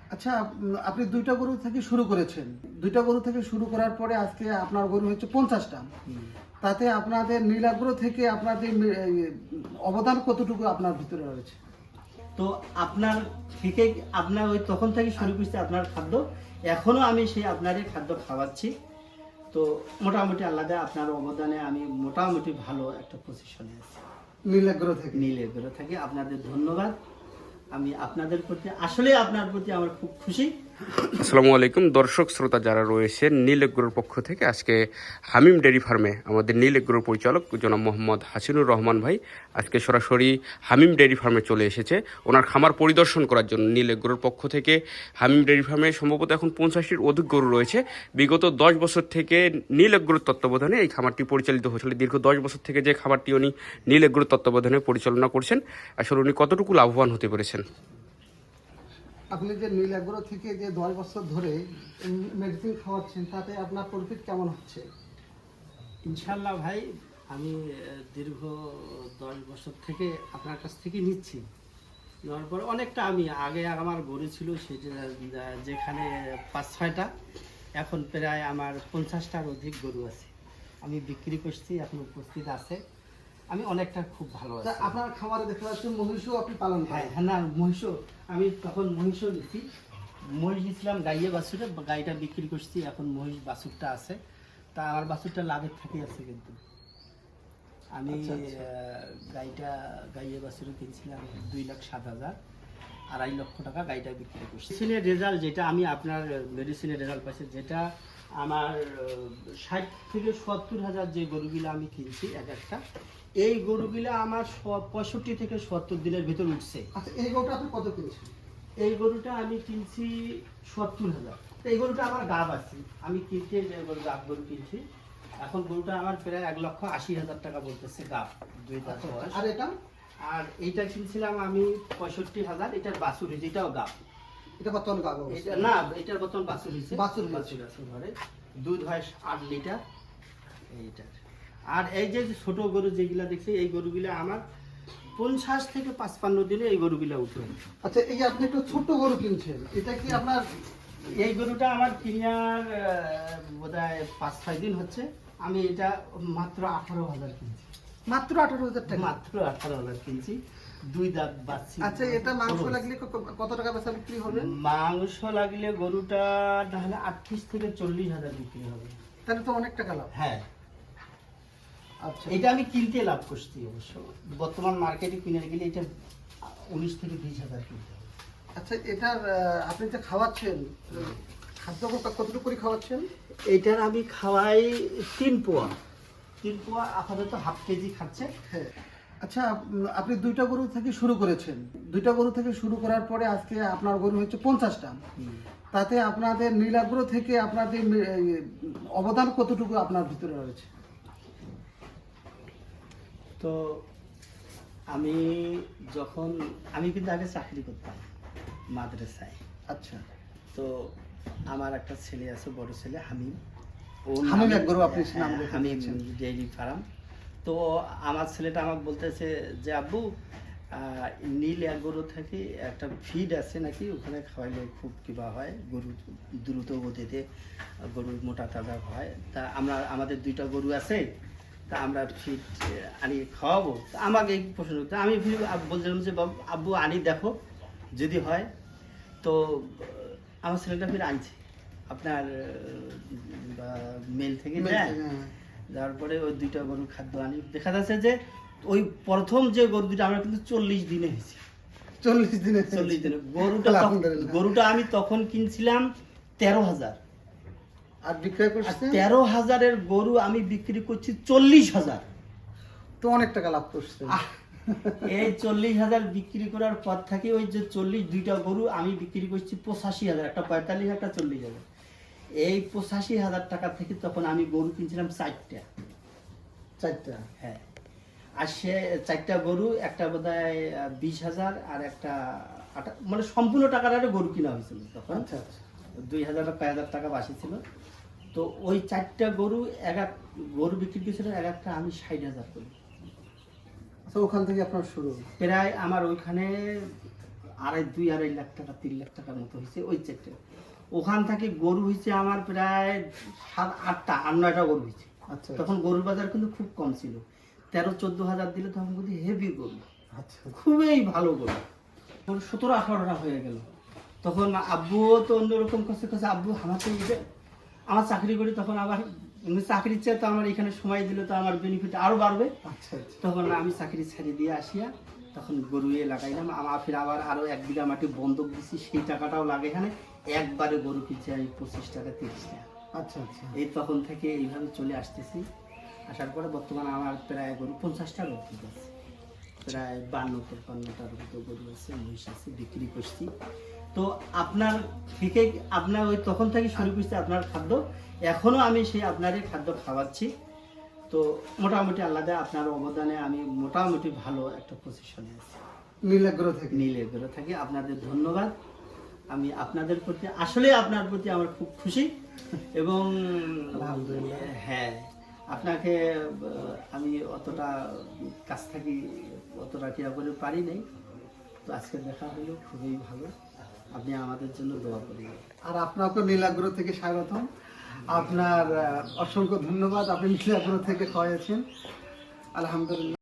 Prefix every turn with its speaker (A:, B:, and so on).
A: আচ্ছা, আপনি দুইটা গরু থেকে শুরু করেছেন। দুইটা গরু থেকে শুরু করার পরে আজকে আপনার গরু হচ্ছে 50টা। তাতে আপনাদের নীলাগ্রহ থেকে আপনাদের অবদান কতটুকু আপনার ভিতরে রয়েছে?
B: তো আপনার থেকে আপনার ওই তখন থেকে শুরু করছি আপনার খাদ্য, এখনো আমি সেই আপনারই খাদ্য খাওয়াচ্ছি। তো মোটামুটি আলাদা আপনার অবদানে আমি মোটামুটি ভালো একটা পজিশনে আছি।
A: নীলাগ্রহ থেকে।
B: নীলের থেকে আপনাদের ধন্যবাদ। আমি আপনাদের প্রতি আসলে আপনার প্রতি আমার খুব খুশি।
C: আসসালামু আলাইকুম দর্শক শ্রোতা যারা রয়েছেন নীল এগ্রোর পক্ষ থেকে আজকে হামিম ডেয়ারি ফার্মে আমাদের নীল এগ্রোর পরিচালক জনাব মোহাম্মদ হাসিনুর রহমান ভাই আজকে সরাসরি হামিম ডেয়ারি ফার্মে চলে এসেছে ওনার খামার পরিদর্শন করার জন্য। নীল এগ্রোর পক্ষ থেকে হামিম ডেয়ারি ফার্মে সম্ভবত এখন 50টির অধিক গরু রয়েছে। বিগত 10 বছর থেকে নীল এগ্রোর তত্ত্বাবধানে এই খামারটি পরিচালিত হয়েছিল। দীর্ঘ 10 বছর থেকে যে খামারটি উনি নীল এগ্রোর তত্ত্বাবধানে পরিচালনা করছেন, আসলে উনি কতটুকু লাভবান হতে পেরেছেন?
A: আপনি যে নীলাগ্রহ থেকে যে 10 বছর ধরে মেডিসিন খাওয়াচ্ছেন, তাতে আপনার প্রফিট কেমন হচ্ছে?
B: ইনশাল্লাহ ভাই, আমি দীর্ঘ 10 বছর থেকে আপনার কাছ থেকে নিচ্ছি। নেওয়ার পরে অনেকটা আমি আগে আমার গরু ছিল সেটা যেখানে 5-6টা, এখন প্রায় আমার 50টার অধিক গরু আছে। আমি বিক্রি করছি, এখন উপস্থিত আছে। আমি অনেকটা খুব ভালো আছি।
A: আপনার খামারে দেখা যাচ্ছে মহিষও আপনি পালন
B: হ্যাঁ
A: করেন।
B: হ্যাঁ, না মহিষও আমি তখন মহিষও নিচ্ছি। মহিষ দিয়েছিলাম গাইয়ে বাছুরে, গাইটা বিক্রি করছি, এখন মহিষ বাছুরটা আছে। তা আমার বাছুরটা লাভের থেকে আছে, কিন্তু আমি
A: আচ্ছা, আচ্ছা।
B: গাইটা গাইয়ে বাছুরে কিনছিলাম 2,07,000, 2.5 লক্ষ টাকা গাইটা বিক্রি করছি। মেডিসিনের রেজাল্ট যেটা আমি আপনার মেডিসিনের রেজাল্ট পাইছি, যেটা আমার 60 থেকে 70 হাজার যে গরুগুলো আমি কিনছি এক একটা, এই গরুগুলো আমার 65 থেকে 70 দিনের ভিতর উঠছে।
A: আচ্ছা, এই গরুটা আপনি কত কিনছেন?
B: এই গরুটা আমি কিনছি 70,000। এই গরুটা আমার গাব আছে, আমি কিনতে যে গরু গাব গরু কিনছি, এখন গরুটা আমার প্রায় 1,80,000 টাকা বলতেছে গাব, 2 দাঁত বয়স।
A: আর এটা?
B: আর এইটা কিনছিলাম আমি 65,000, এটার বাছুর হয়েছে, এটাও গাব।
A: এটা বর্তমান গাব
B: এটা না, এটার বর্তমান বাছুর হয়েছে,
A: বাছুর
B: বাছুর আছে ঘরে, দুধ হয় 8 লিটার এইটার। আর এই যে ছোট গরু যেগুলা দেখছি, এই গরুগুলা আমার 50 থেকে 55 দিনে এই গরুগুলা উঠে।
A: আচ্ছা, এই যে আপনি একটা ছোট গরু কিনছেন, এটা কি আপনার?
B: এই গরুটা আমার কিনার বোধহয় 5-6 দিন হচ্ছে। আমি এটা মাত্র 18,000 কিনছি।
A: মাত্র 18,000 টাকা?
B: মাত্র 18,000 কিনছি, 2 দাঁত বাচ্চি।
A: আচ্ছা, এটা মাংস লাগলে কত টাকা বেচা বিক্রি হবে?
B: মাংস লাগলে গরুটা তাহলে 38 থেকে 40,000 বিক্রি হবে।
A: তাহলে তো অনেক টাকা লাভ।
B: হ্যাঁ,
A: আচ্ছা,
B: এটা আমি কিনতে লাভ করছি অবশ্য। বর্তমান মার্কেটে কিনে গেলে এটা 19 থেকে 20,000 কিনতে হবে।
A: আচ্ছা, এটার আপনি যে খাওয়াচ্ছেন, খাদ্য কতটুকু করে খাওয়াচ্ছেন?
B: এইটার আমি খাওয়াই 3 পোয়া। 3 পোয়া আপাতত হাফ কেজি খাচ্ছে।
A: হ্যাঁ। আচ্ছা, আপনি দুইটা গরু থেকে শুরু করেছেন। দুইটা গরু থেকে শুরু করার পরে আজকে আপনার গরু হচ্ছে 50টা। তাতে আপনাদের নীলাগ্রহ থেকে আপনাদের অবদান কতটুকু আপনার ভিতরে রয়েছে?
B: তো আমি আমি কিন্তু আগে চাকরি করতাম মাদ্রাসায়।
A: আচ্ছা,
B: তো আমার একটা ছেলে আছে, বড় ছেলে হামিম।
A: হামিম এক গরু আপনি নাম
B: হ্যাঁ,
A: রেখে
B: হামিম
A: দিয়েছেন।
B: Dairy farm. তো আমার ছেলেটা আমাকে বলতেছে যে আব্বু, নীল এক গরু থেকে একটা ফিড আছে নাকি, ওখানে খাওয়াইলে খুব কিবা হয়, গরু দ্রুত গতিতে গরুর মোটা তাজা হয়। তা আমাদের 2টা গরু আছে, তা আমরা ফিড আনি খাওয়াবো। তা আমাকে এই প্রশ্ন করতে আমি বলছিলাম যে আব্বু আনি দেখো যদি হয়। তো আমার ছেলেটা ফির আনছে আপনার মেল থেকে দেয়। যাওয়ার পরে ওই 2টা গরুর খাদ্য আনি, দেখা যাচ্ছে যে ওই প্রথম যে গরু 2টা আমরা কিন্তু 40 দিনে হয়েছে।
A: 40 দিনে?
B: 40 দিনে
A: আলহামদুলিল্লাহ।
B: গরুটা আমি তখন কিনছিলাম 13,000,
A: আর বিক্রয়
B: আর
A: করছেন?
B: 13,000-এর গরু আমি বিক্রি করছি 40,000।
A: তো অনেক টাকা লাভ করছেন।
B: এই 40,000 বিক্রি করার পর থেকে ওই যে 2টা গরু আমি বিক্রি করছি 85,000, একটা 45, একটা 40,000। এই 85,000 টাকা থেকে তখন আমি গরু কিনছিলাম 4টা।
A: 4টা?
B: হ্যাঁ, আর সে 4টা গরু, একটা বোধহয় 20,000 আর একটা মানে সম্পূর্ণ টাকার আরে গরু কিনা হয়েছিল তখন।
A: আচ্ছা, আচ্ছা।
B: 2,000 টাকা বাসি ছিল। তো ওই 4টা গরু গরু বিক্রি করেছিলাম এক একটা আমি 60,000 করি।
A: আচ্ছা, ওখান থেকে আপনার শুরু?
B: প্রায় আমার ওইখানে 2.5 লাখ টাকা 3 লাখ টাকার মতো হয়েছে ওই চেকটা। ওখান থেকে গরু হয়েছে আমার প্রায় 7-8টা আর 9টা গরু হয়েছে।
A: আচ্ছা
B: তখন গরুর বাজার কিন্তু খুব কম ছিল, 13-14 হাজার দিলে তখন কিন্তু হেভি গরু,
A: আচ্ছা
B: খুবই ভালো গরু। 17-18টা হয়ে গেল। তখন আব্বুও তো অন্যরকম কাছে কাছে আব্বু আমার তো আমার চাকরি করি, তখন আবার চাকরির চেয়ে তো আমার এখানে সময় দিলে তো আমার বেনিফিট আরো বাড়বে।
A: আচ্ছা আচ্ছা
B: তখন আমি চাকরি ছেড়ে দিয়ে আসিয়া তখন গরু লাগাইলাম। আমার ফির আবার আরো 1 বিঘা মাটি বন্ধক দিছি, সেই টাকাটাও লাগে এখানে। একবারে গরু কিনছি আমি 25 টাকা 30 টাকা।
A: আচ্ছা আচ্ছা
B: এই তখন থেকে এইভাবে চলে আসতেছি। আসার পরে বর্তমানে আমার প্রায় গরু 50টা গরু আছে, প্রায় 52-53টার মতো গরু আছে, মহিষ আছে, বিক্রি করছি। তো আপনার থেকে আপনার ওই তখন থেকে শুরু করছি আপনার খাদ্য, এখনো আমি সেই আপনারই খাদ্য খাওয়াচ্ছি। তো মোটামুটি আল্লাহ আপনার অবদানে আমি মোটামুটি ভালো একটা পজিশনে আছি।
A: নীল এগ্রো থেকে।
B: নীল এগ্রো থেকে আপনাদের ধন্যবাদ। আমি আপনাদের প্রতি আসলে আপনার প্রতি আমার খুব খুশি এবং
A: আলহামদুলিল্লাহ।
B: হ্যাঁ, আপনাকে আমি অতটা কাছ থেকে অতটা কিরা করে পারি নাই, তো আজকে দেখা হলো খুবই ভালো। আপনি আমাদের জন্য দোয়া করবেন।
A: আর আপনাকে নীল এগ্রো থেকে স্বাগতম। আপনার অসংখ্য ধন্যবাদ, আপনি নীল এগ্রো থেকে খাওয়াইছেন। আলহামদুলিল্লাহ।